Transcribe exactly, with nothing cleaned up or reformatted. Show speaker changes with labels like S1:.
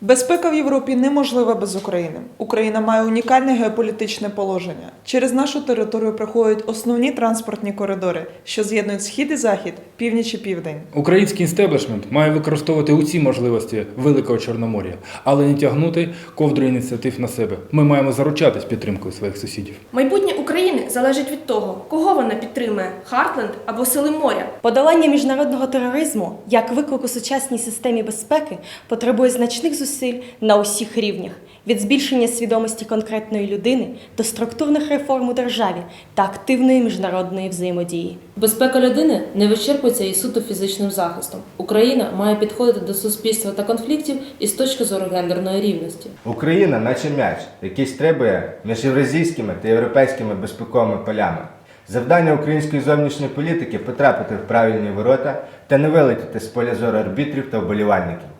S1: Безпека в Європі неможлива без України. Україна має унікальне геополітичне положення. Через нашу територію проходять основні транспортні коридори, що з'єднують схід і захід, північ і південь.
S2: Український істеблішмент має використовувати усі можливості Великого Чорномор'я, але не тягнути ковдру ініціатив на себе. Ми маємо заручатись підтримкою своїх сусідів.
S3: Майбутнє України залежить від того, кого вона підтримує – Хартленд або Сили моря.
S4: Подолання міжнародного тероризму як виклик у сучасній системі безпеки потребує значних зусиль на усіх рівнях – від збільшення свідомості конкретної людини до структурних реформ у державі та активної міжнародної взаємодії.
S5: Безпека людини не вичерпується і суто фізичним захистом. Україна має підходити до суспільства та конфліктів із точки зору гендерної рівності.
S6: Україна, наче м'яч, який стрибує між євразійськими та європейськими безпековими полями. Завдання української зовнішньої політики – потрапити в правильні ворота та не вилетіти з поля зору арбітрів та вболівальників.